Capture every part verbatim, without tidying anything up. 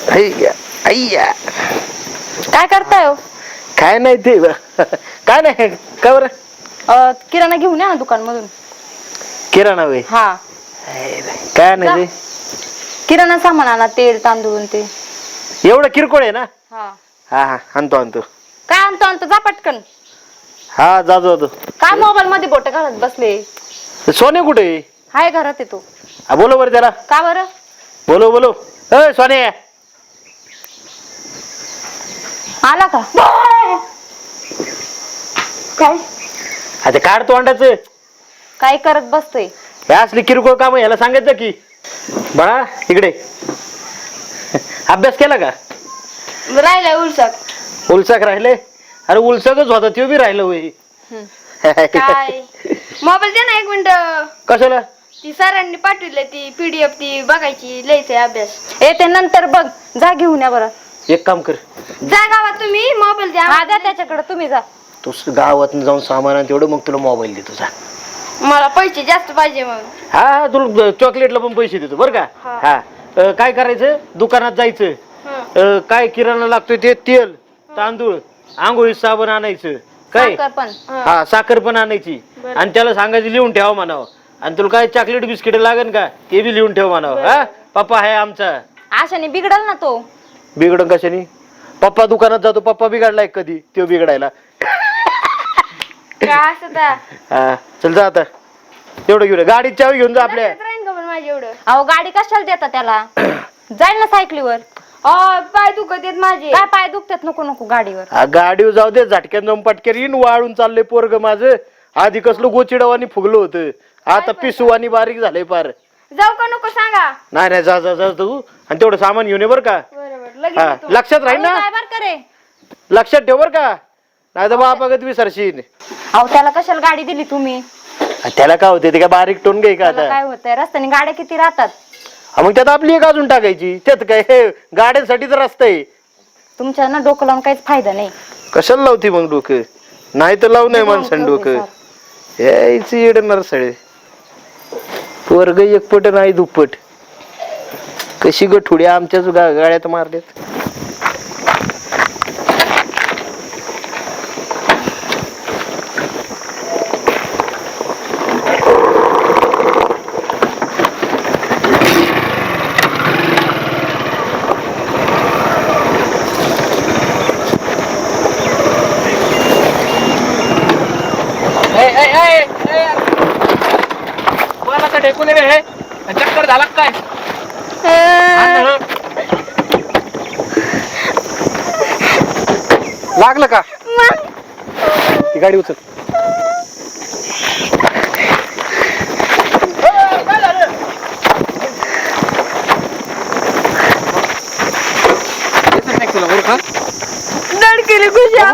अय्या अय्या काय करताय हो? काय नाही ते काय नाही का बरं अ, किराणा घेऊन या ना दुकान मधून. किराणा वे हा काय नाही ते किराणा सामान आणा, तेल तांदूळ ते. एवढं किरकोळ आहे ना. हा हा हा आणतो आणतो. काय आणतो आणतो जा पटकन. हा जातो जातो. काय मोबाईल मध्ये बोट घालत बसले? सोने कुठे आहे? हाय घरात येतो. हा बोलो बरं त्याला. का बरं? बोलो बोलो ए सोने आला का? काय आता काढ तोंडाचं. काय करत बसतोय? हे असली किरकोळ काम याला सांगायचं की बाळा इकडे अभ्यास केला का? राहिलाय उलसाक. उलसाक राहिले? अरे उलसाकच होता तो बी राहिलं होय. काय मोबाईल दे ना एक मिनिट. कशाला? ती सरांनी पाठवली ती पीडीएफ ती बघायची, लिहायचंय अभ्यास. ए ते नंतर बघ, जा घेऊन या बरं. एक काम कर, जा गावात तुम्ही मोबाईल द्या. हा द्या त्याच्याकडे, तुम्ही जा. तू गावात जाऊन सामान आण तेवढं, मग तुला मोबाईल देतो जा. मला पैसे जास्त पाहिजे मग. हा हा तुला चॉकलेटला पण पैसे देतो बरं का. हा अ, काय करायचं, दुकानात जायचं. अ, काय किराणा लागतोय ते तेल तांदूळ आंघोळी साबण आणायचं. काय पण हा साखर पण आणायची. आणि त्याला सांगायचं लिहून ठेवा म्हणावं. आणि तुला काय चॉकलेट बिस्किट लागेल का ते बी लिहून ठेव म्हणावं. हा पप्पा आहे आमचा. आशाने बिघडल ना तो. बिघडन कशाने? पप्पा दुकानात जातो, पप्पा बिघडलाय कधी तो बिघडायला. काय असं हा चल जा आता, तेवढं घेऊन गाडीची चावी घेऊन जा आपल्या. अहो गाडी कशाला देता त्याला? जाईल ना सायकलीवर. पाय दुखत येत माझे. काय पाय दुखतात? नको नको गाडीवर. हा, गाडीवर जाऊ दे, झटक्यान जाऊन पटक्यान येईन. वाळून चाललंय पोरग माझं. आधी कसलं गोचिडावानी फुगलं होतं, आता पिसुवानी बारीक झालंय पार. जाऊ का नको सांगा? नाही नाही जा जा जा तू. आणि तेवढं सामान घेऊन ये बरं का. हा, लक्षात राहील ना? लक्षात ठेव बरं का, नाही तर बापागत विसरशील. अहो त्याला कशाला गाडी दिली तुम्ही? त्याला काय होते ते काय बारीक टोन घे का आता? काय होतंय, रस्त्याने गाड्या किती राहतात. हा, मग त्यात आपली एक अजून टाकायची. त्यात काय हे गाड्यांसाठीच रस्ता आहे. तुमच्या ना डोकं लावून काहीच फायदा नाही. कशाला लावती मग डोकं? नाही तर लावू नये माणसाने डोकं. यायचं येडणार सळे वर्ग एकपट नाही दुप्पट. कशी गठुडी आमच्याच गाड्यात मारल्यात. चक्कर झाला काय? लागलं का? ती गाडी उचल. धडकेली खुशा.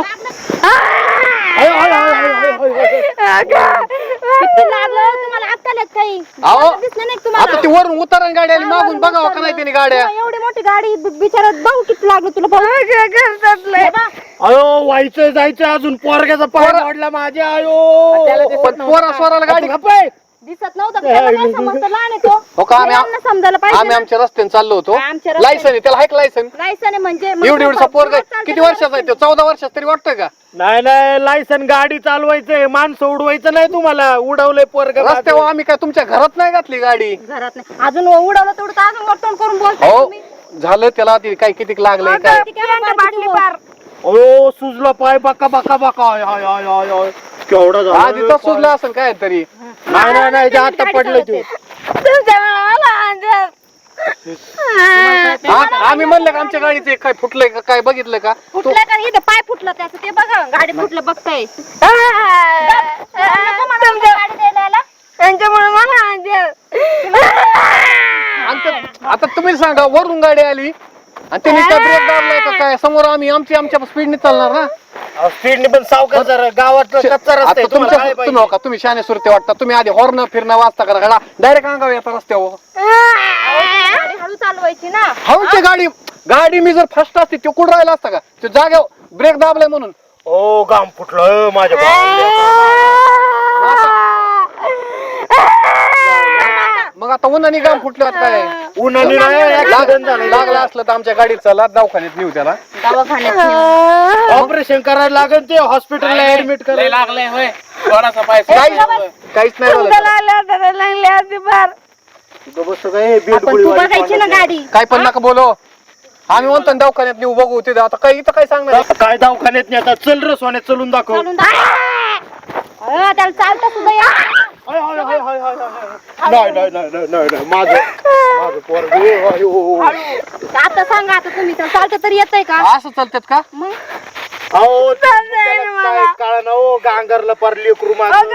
तुम्हाला अक्कल येत काही? दिसलं नाही तुम्हाला? आता ती वरून उतरण गाडी आली मागून, बघावं का नाही त्याने गाड्या. एवढी मोठी गाडी बिचारात बघ किती लागलं तुला. अयो व्हायचं जायचं अजून पोरग्याचा पाय आवडला माझ्या. अयो पण पोरा स्वराला गाडी खपाय दिसत नव्हतं का? त्याला काय समजतं, लहान आहे तो. हो का? आम्ही यांना समजायला पाहिजे आम्ही ना. आमच्या रस्त्याने चाललो होतो. आमच्या रस्त्याने- लायसन आहे त्याला, हाय लायसन. लायसन आहे म्हणजे एवढी एवढीचा पोरगा किती वर्षाचा आहे तो? चौदा वर्षाचा तरी वाटतोय का? नाही नाही लायसन गाडी चालवायचंय, माणसं उडवायचं नाही. तुम्हाला उडवलंय पोरग रस्त्यावर आम्ही काय तुमच्या घरात नाही घातली गाडी? घरात नाही अजून उडवलं तेवढं तर अजून वटवण करून बोलतोय हो तुम्ही. झालं त्याला ती काय किती लागलंय काय? ती काय बाटली पार. अयो सुजला पाय बका बका बका. आय, आय, आय, आय, आय. केवढा झाला आधी तर सुजला असेल काय तरी. नाही नाही नाही ते आता पडलं ते. आ- आम्ही म्हणलं का आमच्या गाडीचे काय फुटलंय का काय बघितलं का? फुटलं का? इथं पाय फुटलं त्याचं ते बघा. गाडी फुटलं बघताय. त्यांच्यामुळे मला आमच्या- आता तुम्ही सांगा, वरून गाडी आली आणि त्यांनी काय ब्रेक दाबलाय का काय? समोर आम्ही आमची आमच्या स्पीडने चालणार ना. स्पीडने पण सावकार जरा गावात कच्चा रस्ता आता आहे, तुम्हाला तुमच्या काय तुम्ही पाहिजे? हो का, तुम्ही शाने सुरते वाटता. तुम्ही आधी हॉर्न फिरणं वाजता करा गाडा डायरेक्ट अंगावर येता रस्त्यावर. गाडी हळू चालवायची ना. हळूची गाडी गाडी मी जर फर्स्ट असते तो कुठं राहिला असता का? तो जाग्यावर ब्रेक दाबलाय म्हणून. ओ गाम फुटलं माझ्या भावाला. मग आता उन्हाने गाम फुटलं काय उन्हाने नाही accident झालंय. लागला असलं तर आमच्या गाडीत चला दवाखान्यात नेऊ त्याला दवाखान्यात नेऊ. ऑपरेशन करायला लागेल ते हॉस्पिटलला ऍडमिट करायला लागलंय होय थोडासा पाय काहीच काहीच नाही झालं आपण तू बघायची ना गाडी. काय पण नका बोलो आम्ही म्हणतो ना दवाखान्यात नेऊ बघू ते आता काही इथं काय सांगणार काय दवाखान्यात नाही आता चल रे सोन्यात चलून दाखव चालून दाखव. अं, त्याला चालता सुद्धा या. हाय, हाय, हाय, हाय, हाय, हाय. नाही नाही नाही नाही, नाही नाही माझं माझं पोरगं, ओ, आय, ओ. आता सांगा आता तुम्ही त्याला चालता तरी येतंय का असं चालतात का मग अहो, त्याला काय कळलं ना, ओ, गांगरला पार लेकरू माझं.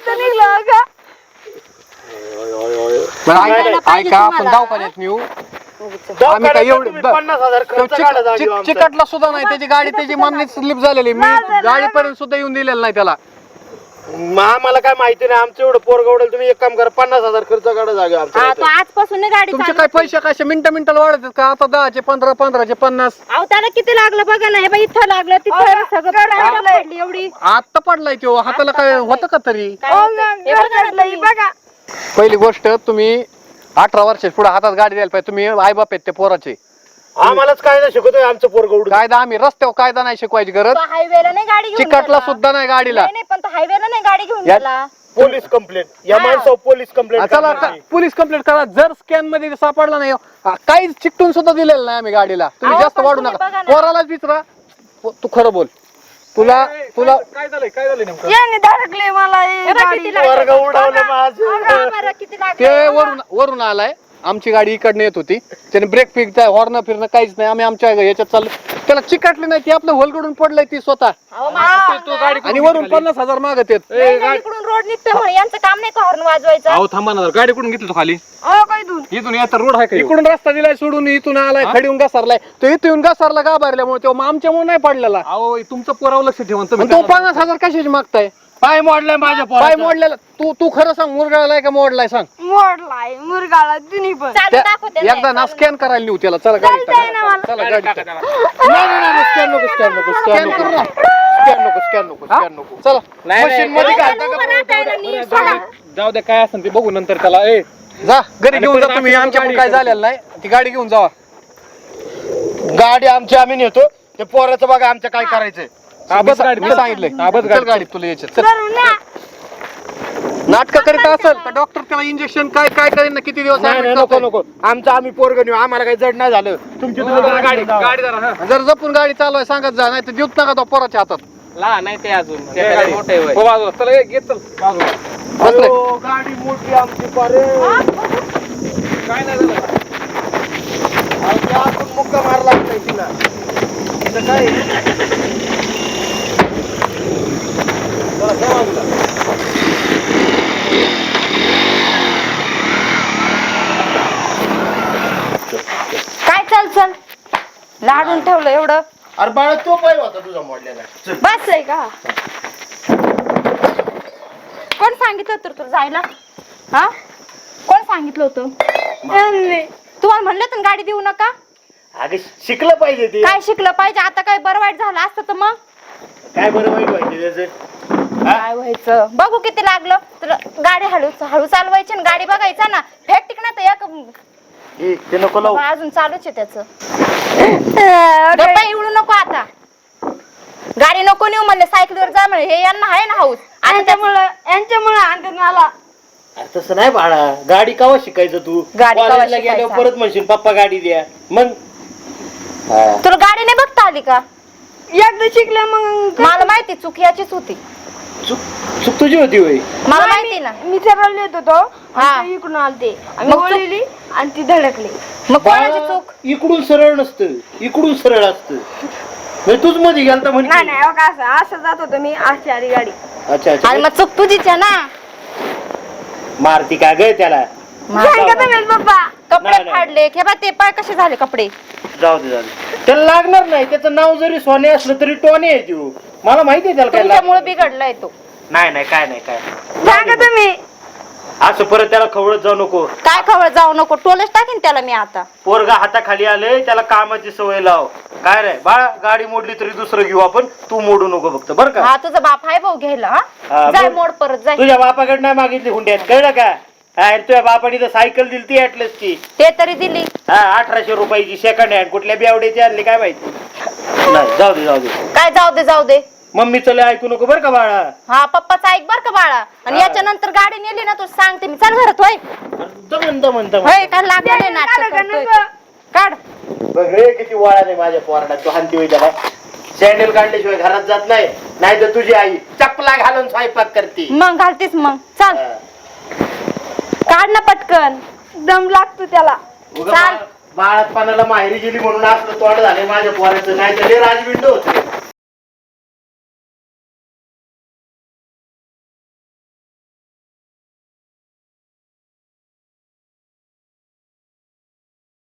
बरं, सांगायला ऐका पाहिजे ऐका, आपण तुम्हाला. दवाखान्यात नेऊ आम्ही दवाखान्यात काय एवढे तुम्ही पन्नास हजार तो खर्च चिक- काढा जागी चिक- आमचा. चिकटला सुद्धा नाही त्याची गाडी त्याची मान्य स्लिप झालेली मी गाडीपर्यंत सुद्धा येऊन दिलेलं नाही त्याला मग आम्हाला काय माहिती नाही आमचं एवढं पोरगं उडेल तुम्ही एक काम करा पन्नास हजार खर्च काढा जागे हा आमचा तो आजपासून नाही गाडी तुमचे चालू. काय पैसे कसे मिनिटं मिनिटाला वाढतात का आता दहाचे पंधरा पंधराचे पन्नास अहो त्याला किती लागलं बघा ना हे बाई इथं लागलं तिथं सगळं पडली एवढी आता पडलाय तो हाताला काय होतं का तरी काय होतंय? हे बघा ना तुम्ही. पहिली गोष्ट तुम्ही अठरा वर्षाच्या पुढे हातात गाडी द्यायला पाहिजे तुम्ही आई बाप आहेत ते पोराचे आम्हालाच काय नाही शिकवतोय आमचं पोरगं उडून कायदा आम्ही रस्त्यावर कायदा नाही शिकवायची गरज तो हायवेला नाही गाडी घेऊन चिकटला गेला. सुद्धा नाही गाडीला नाही नाही, पण तो हायवेला नाही गाडी घेऊन या- गेला पोलीस कंप्लेंट या माणसावर पोलीस कंप्लेंट चला आता पोलीस कंप्लेंट करा जर स्कॅन मध्ये सापडला नाही हा, काहीच चिकटून सुद्धा दिलेलं नाही आम्ही गाडीला तुम्ही अहो, जास्त पण वाढू तुम्ही नका बघा ना. पोरालाच विचारा पो- तू खरं बोल तुला तुला काय झालंय काय झालंय नेमकं हे बघ किती लागलं. वर्ग उडवलं माझं बघा बरं किती लागलं. ते वरून वरून आलाय आमची गाडी इकडनं येत होती त्याने ब्रेक फिक हॉर्न फिरणं काहीच नाही आम्ही आमच्या याच्यात चाललो त्याला चिकटली नाही ती आपलं होलकडून पडलंय ती स्वतः अहो, माझं तू गाडी आणि वरून पन्नास हजार मागत येत नाही, नाही, इकडून रोड निघतोय म्हणून यांचं काम नाही का हॉर्न वाजवायचं अहो थांबा ना जरा. गाडी कुठून घेतली तू खाली इथून येता रोड आहे का ह्यो? इकडून रस्ता दिलाय सोडून इथून आलाय खडीहून घसरलाय तो इथून येऊन घसरला गाभारल्यामुळे तो आमच्यामुळे नाही पडलेला अहो तुमचं पोरावर लक्ष ठेवा ना तुम्ही आणि तो पन्नास हजार कशाची मागताय पाय मोडलाय माझ्या पाय पोराचा. मोडलेला तू तू खरं सांग मुरगाळलाय का मोडलाय सांग मोडलाय मुरगाळा तुम्ही पण चालू त्या- दाखवते एकदा ना स्कॅन करायला नेऊ त्याला चला गाडी टाका. चला गाडी टाका. नाही नाही नाही स्कॅन नको स्कॅन नको स्कॅन नको स्कॅन नको स्कॅन नको स्कॅन नको चला नाही, मशीन मध्ये घालता का जाऊ द्या काय असेल ते बघू नंतर त्याला ए जा घरी घेऊन जा परत तुम्ही आमची आमच्याकडून गाडी काय झालेलं नाही ती गाडी घेऊन जावा गाडी आमची आम्ही नेतो ते पोराचं बघा आमचं काय करायचंय हा, बस गाडी मी सांगितलंय हा, बस चल गाडी गाडीत तुला यायचं चल नाटक करीत असेल तर डॉक्टर त्याला इंजेक्शन काय काय करेन ना किती दिवस नाही नाही admit नको करतोय. नको आमचं आम्ही पोरगं नेऊ आम्हाला काही जड नाही झालं तुमची तुम्ही जरा गाडी जावा. गाडी जरा हा जर जपून गाडी चालवाय सांगत जा नाही तर देऊत नका तो पोराच्या हातात लहान नाही ते अजून घे त्याला गाडी. मोठे वय हो, बाजूला चला ए, घे चल बाजूला बसले अहो, गाडी मोठी आमची पारे काय नाही झालं आपण मुक्का मारला नाही तिला इथं काय चला, चला बाजूला. काय चल चल लाडून ठेवलं एवढं अरे बाळा तो पाय होता तुझा मोडलेला चल. बस आहे का कोण सांगितलं होतं तुला जायला हा कोण सांगितलं होतं तुम्हाला म्हणलं तर गाडी देऊ नका अगं शिकलं पाहिजे ते काय शिकलं पाहिजे आता काय बरं वाईट झालं असतं तर मग काय बरं वाईट पाहिजे त्याचं काय व्हायचं बघू किती लागलं तर गाडी हळू हळू चालवायची आणि गाडी बघायचा ना फेक टिकणार तर एक ए, ते नको लावू बाबा, अजून चालूच आहे त्याच इवडू नको आता गाडी नको नेऊ म्हणले सायकलीवर जा म्हणे हे यांना आहे ना हाऊस आता यांच्यामुळं यांच्यामुळं आणतात मला अरे तसं नाही बाळा गाडी कवा शिकायचं तू गाडी कवा कॉलेजला गेल्यावर शिकायचं? परत म्हणशील पप्पा गाडी द्या मग हा. तुला गाडी नाही बघता आली का एकदा शिकले मग मला माहिती चूक याचीच होती चूक चूक तुझी होती होय मला माहिती ना मी सरळ येत होतो हा. आणि ते इकडून आलते आम्ही मग तू- वळली आणि ती धडकली मग कोणाची बाळा, चूक इकडून सरळ नसतं इकडून सरळ असतं म्हणजे तूच मध्ये गेलता नाही म्हणजे नाही अहो, असं असं जात होतो मी अशी आली गाडी अच्छा आणि अच्छा मग चूक तुझीच आहे ना मारती का ग त्याला सांगा तुम्ही पप्पा कपडे नाही, नाही. फाडले हे बा ते पाय कसे झाले कपडे जाऊ दे जाऊ दे त्याला लागणार नाही त्याचं नाव जरी सोने असलं तरी टोने आहे तू मला माहिती आहे त्याला काय तुमच्यामुळे लागणार. बिघडलाय तो नाही नाही काय नाही काय सांगा तुम्ही असं परत त्याला खवळत जाऊ नको काय खबर जाऊ नको टोलच टाकीन त्याला मी आता पोरगा हाताखाली आले त्याला कामाची सवय लाव काय रे बाळा गाडी मोडली तरी दुसरं घेऊ आपण तू मोडू नको फक्त बरं का हा तुझा बाप आहे भाऊ घ्यायला हा, हा जाय मग- मोड परत जाय तुझ्या बापाकडे नाही मागितली हुंड्यात कळलं का अरे तुझ्या बापाने तर सायकल दिली ती ऍटलसची. ते तरी दिली. हा अठराशे रुपयाची सेकंड हँड कुठल्या बेवड्याची आणली काय माहिती. नाही जाऊ दे जाऊ दे. काय जाऊ दे जाऊ दे. मम्मीचं लय ऐकू नको बरं का बाळा. हा पप्पाचा ऐक बर का बाळा. आणि याच्या नंतर गाडी नेली ना तू सांगते मी. चल घरात होय. दमन दमन दमन. होय काय लागलं नाही नाटक करतोय. काढ. बघ रे किती वाळा नाही माझ्या पोराला. तू हानती होई त्याला. सँडल काढल्याशिवाय घरात जात नाही. नाही तर तुझी आई चपला घालून स्वयंपाक करते. मग घालतीस मग. चल काढ ना पटकन. दम लागतो त्याला. बाळात पानाला माहेरी गेली म्हणून असलं तोंड झाले माझ्या पोराचं. नाही तर राजविंड होते.